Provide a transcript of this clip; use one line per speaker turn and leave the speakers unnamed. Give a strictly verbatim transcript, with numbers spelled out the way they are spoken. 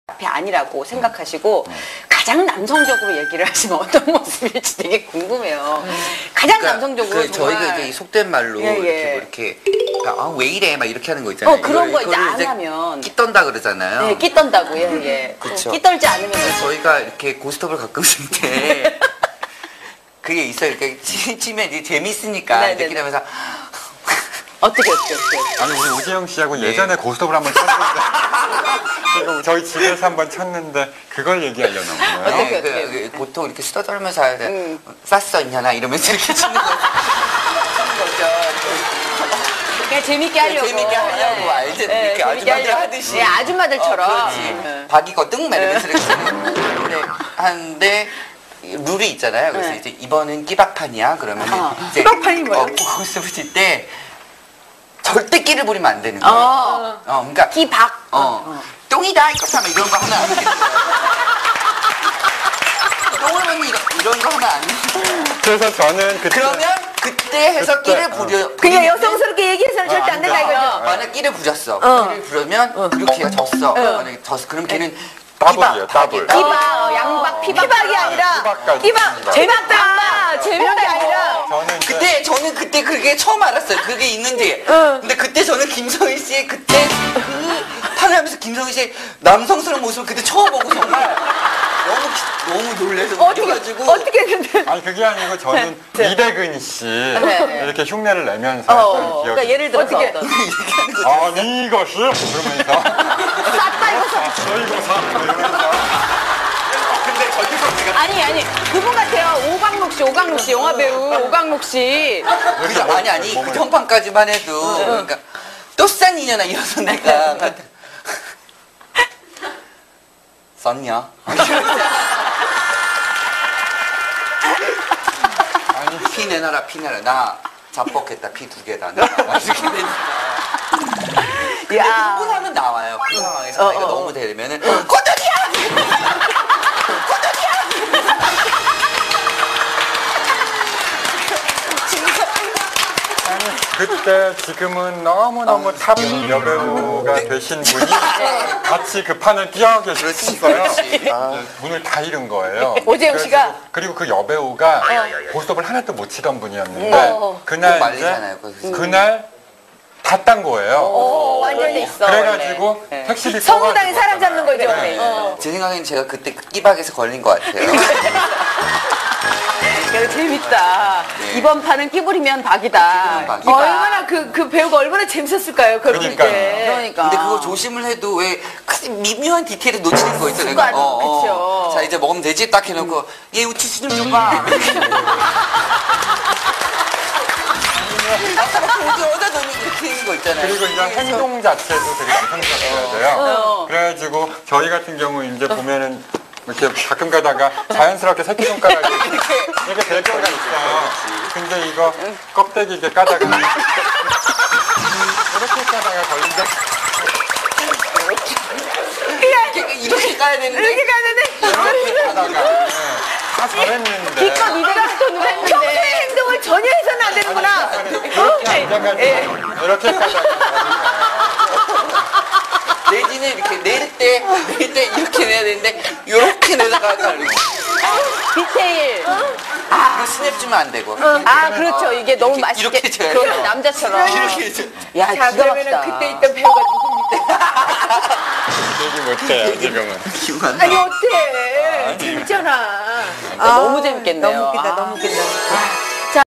앞이 아니라고 생각하시고 가장 남성적으로 얘기를 하시면 어떤 모습일지 되게 궁금해요. 가장
그러니까
남성적으로
그
정말.
저희가 이제 속된 말로
예, 예.
이렇게 뭐 이렇게 그러니까 아, 왜 이래 막 이렇게 하는 거 있잖아요.
어, 그런 거 이제
이거를
안 하면.
끼 떤다 그러잖아요.
네, 끼 떤다고, 예, 예.
그쵸.
끼 떨지 않으면.
그래서 저희가 이렇게 고스톱을 가끔 쓸 때 그게 있어요. 이렇게 치- 치면 이제 재밌으니까
네네네.
이렇게 하면서
어떻게, 어떻게, 어떻게.
아니 우리 오재영 씨하고
네.
예전에 고스톱을 한번 쳤는데 지금 저희 집에서 한번 쳤는데 그걸 얘기하려나 보네요.
어떻게,
네,
어떻게.
그, 그 보통 이렇게 쓰다 떨면서 하야 돼.
음.
쌌어 있냐나 이러면서 이렇게 치는 거 치는 거죠.
그냥 재밌게 하려고.
재밌게 하려고
네.
알지?
네,
이렇게
재밌게
아줌마들
하려고.
하듯이.
네, 아줌마들처럼.
어, 그렇지.
네.
박이 거뜬 막 이러면서 이렇게 하는데 하는데 룰이 있잖아요. 그래서
네.
이제 이번은 끼박판이야. 그러면
어.
이제
끼박판이 뭐예요?
어, 고스톱을 칠 때 절대 끼를 부리면 안 되는 거예요.
어.
어, 그러니까
끼박.
어, 똥이다 이거 하면 이런 거 하면 안 돼. 똥을 먹는 이런, 이런 거 하면 안 돼.
그래서 저는 그때
그러면 그때 해서
그때,
끼를
어.
부려.
그냥
부리면은
여성스럽게 얘기해서는 절대 안 된다 이거죠.
만약 끼를 부렸어.
어.
끼를 부르면 그리고 걔가 졌어. 만약에 졌어. 그럼 걔는
따블이에요, 따블.
끼박, 어, 양박, 피박. 피박이 아니라.
피박까지
끼박.
있습니다.
재밌다. 재밌다. 아니라.
저는 이제
그때 저는 그때 그게 처음 알았어요. 그게 있는지. 근데 그때 저는 김성희 씨의 그때 그 판을 하면서 김성희 씨의 남성스러운 모습을 그때 처음 보고 정말 너무 기- 너무 놀래서
어떻게,
웃겨가지고
어떻게 했는데.
아니 그게 아니고 저는 이대근 씨
네.
이렇게 흉내를 내면서
어,
했던 기억이
그러니까 예를 들어서
있어요.
어떤.
이렇게 하는 거.
아니 이것이 그러면서
쌌다 이거 쌌
저 이거 사 이러면서
근데 거기서 제가
아니 아니 그분 같아요. 오강록 씨, 오강록 씨 영화 배우 오강록 씨.
그, 아니 아니 그 현판까지만 해도 그러니까 또 싼 인연아 이어서 내가 썼냐?
아니
피 내놔라 피 내놔라 나 자뻑했다 피 두 개다 나 이렇게 되니까
야.
흥분 하면 나와요 그 상황에서
어,
내가
어, 어.
너무 되면은 꼬들이야!
아니 그때 지금은 너무너무 탑 여배우가 되신 분이 같이 그 판을 뛰어 계셨어요. 아, 문을 다 잃은 거예요.
오재영 씨가?
그래가지고- 그리고 그 여배우가 고스톱을 하나도 못 치던 분이었는데
어.
그날
꼭
이제
말리잖아요, 거기서.
그날 다 딴 거예요.
어, 완전히 있어.
그래가지고
원래. 네.
택시비
성당에
써가지고
사람 잡는 거죠.
네.
원래. 어.
제 생각엔 제가 그때 그 끼박에서 걸린 것 같아요
그래서 재밌다.
네.
이번 판은 끼부리면 박이다.
끼부리면 박이다.
얼마나 그, 그 배우가 얼마나 재밌었을까요? 그럴 때.
그러니까요.
그러니까.
근데 그거 조심을 해도 왜 그 미묘한 디테일을 놓치는 거 있잖아요.
순간, 그쵸.
자 이제 먹으면 되지 딱 해놓고 얘 우치 수좀 줘봐. 어디 어디다 놓니 이렇게 있는 거 있잖아요.
그리고 이제 행동 자체도 되게 남성스러워야 돼요.
어.
그래가지고 저희 같은 경우 이제 보면은 이렇게 가끔 가다가 자연스럽게 새끼손가락이 이렇게 될 때가 있어요. 근데 이거 껍데기 이렇게 까다가 이렇게 까다가 걸린다.
이렇게, 이렇게 까야 되는데
이렇게 가는데.
이렇게 까다가 네. 다 잘했는데
기껏 이대가 스톤을 했는데. 평소의 행동을 전혀 해서는 안 되는구나.
이렇게 앉아가지고 이렇게 까다가
내지는 이렇게 내릴 때 내릴 때 이렇게 내야 되는데 이렇게 내다가 걸리고
디테일.
이거 스냅 주면 안 되고
아, 그렇죠. 이게 너무
이렇게,
맛있게.
이렇게 줘야
그렇죠.
돼요.
남자처럼.
이렇게 해줘.
야,
자,
기가
그러면은
막히다.
그때 있던 배우가 누굽니까?
얘기 못해요 지금은.
기억 안 나.
아니, 어때? 재밌잖아.
너무 재밌겠네요.
너무 웃기다,
아.
너무 웃긴다.